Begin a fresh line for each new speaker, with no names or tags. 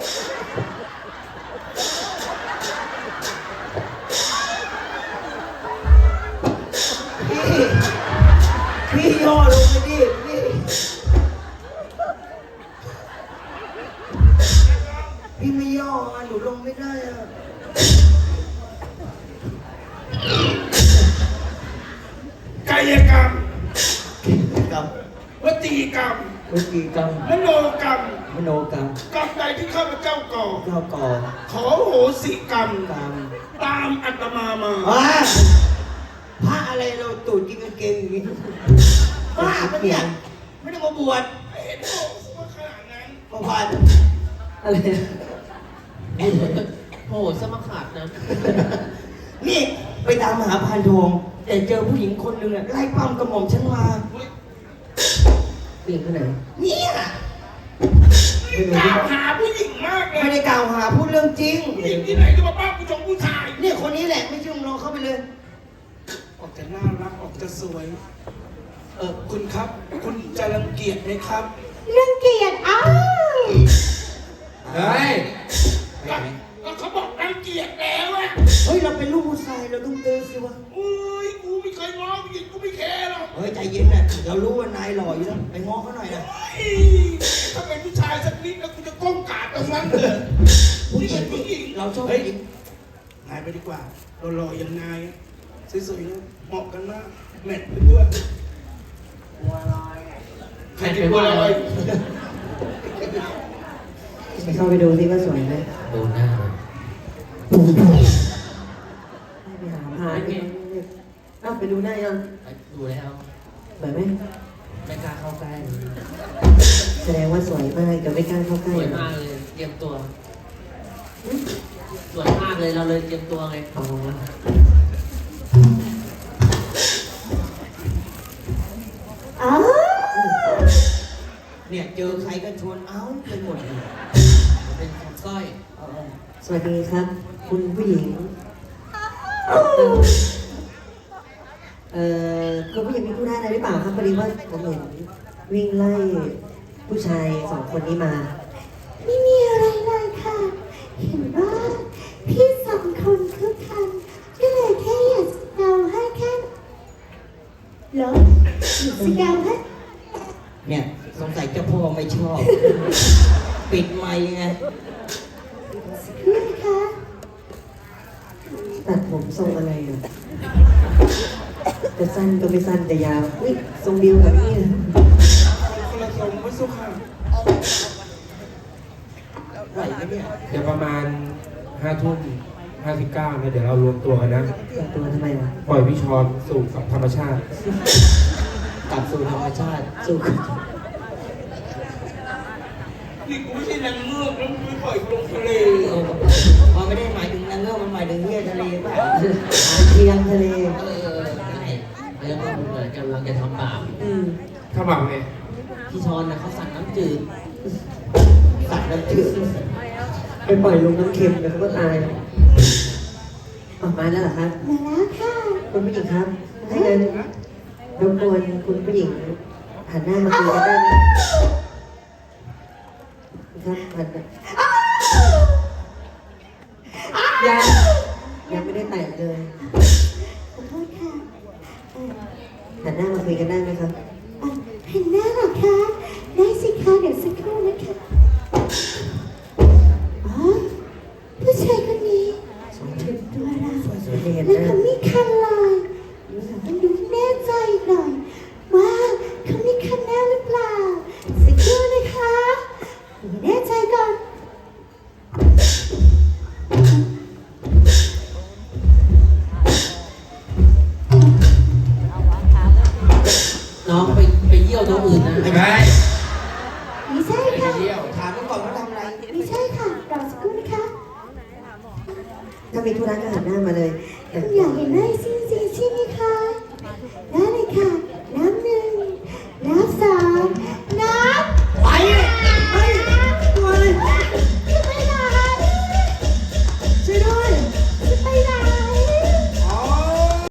พี่ย่อลงไปดิพี่ไม่ย่อหนูลงไม่ได้อะ
กายกรรม
กรรม
วจีกรรม
วิธีกรรม
มโนกรรม
มโนกรรม
กรรมใดที่ข้าพเจ้าก่อ
เจ้าก่อ
ขอโหสิกรรม
กรรม
ตามอาตมามา
พระอะไรเราตูดกินกางเกงอย่างนี้บ้าปะเนี่ยไม่ได้มาบวช
เห็นโหว่าขนาดนั้น
ประพันธ์อะไร
โหสมขาดนะ
นี่ไปตามหาพานทองแต่เจอผู้หญิงคนหนึ่งไล่ปั้มกระหม่อมฉันมาผู้หญิงคนไหนเนี่ย
กล่าวหาผู้หญิงมากเลย
ไม่ได้กล่าวหาพูดเรื่องจริง
ผู้หญิงที่ไหนจะมาป้าผู้ชมผู้ชาย
เนี่ยคนนี้แหละไม่เชื่อลองเข้าไปเลย
ออกจะน่ารักออกจะสวยคุณครับคุณจะรังเกียจไหมครับ
รังเกียจอ้าว
เฮ้ย
ก็เขาบอกรังเกียจแล้วอะ
เฮ้ยเราเป็นลูกผู้ชายเราต้องเตือนสิวะ
อุ้ยกูไม่เคยง้อผู้หญิงกูไม่แคร์หรอก
เฮ้ยใจเย็นนะเรารู้ว่านายหล่ออยู่แล้วไปง้อเขาหน่อยนะ
ถ้าเป็นผู้ชายสักนิดแล้วกูจะก้มกราบตรงนั้นเลย
ผู้หญิงเราชอบผู้หญิง
นายไปดีกว่าเราหล่ออย่างนายสวยๆนะเหมาะกันมากแมทไปด้วยใครจะพูดอะไร
ไปเข้าไปดูสิว่าสวยไหม
ดูหน้า
ไปหาพาไปดูหน้ายัง
ดูแล้ว
สวยไหม
ไม่กล้าเข้าใกล้
แสดงว่าสวยมากแต่ไม่กล้าเข้าใกล้
สวยมากเลยเตรียมตัวสวยมากเลยเราเลยเตรียมตัวไง
เนี่ยเจอใครก็ชวนเอาเป็นหมดเลย
เป็นคนก้อย
สวัสดีครับคุณผู้หญิงคุณผู้หญิงมีธุระอะไรหรือเปล่าครับพอดีว่าผมเห็นวิ่งไล่ผู้ชาย2 คนนี้มา
ไม่มีอะไรเลยค่ะเห็นว่าพี่2 คนคึกคันก็เลยแค่อยากสเกาให้แค่เหรอสเกาให้
เนี่ยสงสัยเจ้าพ่อไม่ชอบปิดไมค์ไง
พี่คะ
ตัดผมทรงอะไรอ่ะจะสั้นก็ไม่สั้นแต่ยาวอุ้ยทรงเดียวกับนี่
คนละทรงไม่สุขค่ะ
ไหวไหมเนี่ย
เดี๋ยวประมาณ5:59นะเดี๋ยวเรารวมตัวกันนะ
รวมตัวทำไมวะ
ปล่อยพี่ชอนสู่ธรรมชาติ
กลับสู่ธรรมชาติสู่
นี่กูไม่ใช่นางเงือกแล้วกูปล่อยลงทะเล
มันไม่ได้หมายถึงนางเงือกมันหมายถึงเหี้ยทะเลป่ะเทียงทะเล
ใช่แล้วก็เหมือนกำลังจะทำบาป
ถ้าบาปไง
พี่ชอนนะเขาสั่งน้ำจืด
สัตว์น้ำจืดไปปล่อยลงน้ำเค็มแล้วเขาก็ตายออกมาแล้วเหรอครับ
มาแล้วค่ะ
คุณผู้หญิงครับให้เงินรบกวนคุณผู้หญิงหันหน้ามาคุยกันได้ไหมครับหันยังไม่ได้แต่งเลย
ขอโทษค่ะ
หันหน้ามาคุยกันได้ไหมครับ
หันหน้าเหรอคะได้สิคะเดี๋ยวสักครู่นะคะผู้ชายคนนี้ถึงตัวเราแล้วเขามีคันลายต้องดูแน่ใจหน่อยว่าเขามีคันแน่หรือเปล่าสักครู่นะคะแน่ใจก่อน
น้องไปเยี่ยวตัวอื่นนะ
ไม่ใช่
ไม่ใช่ค่ะ
ถามก่อนว่าทำอะไร
ไม่ใช่ค่ะรอสักครู่นะคะ
ถ้ามีธุระก็หันหน้ามาเลย
อยากเห็นหน้าจริงๆใช่ไหมคะ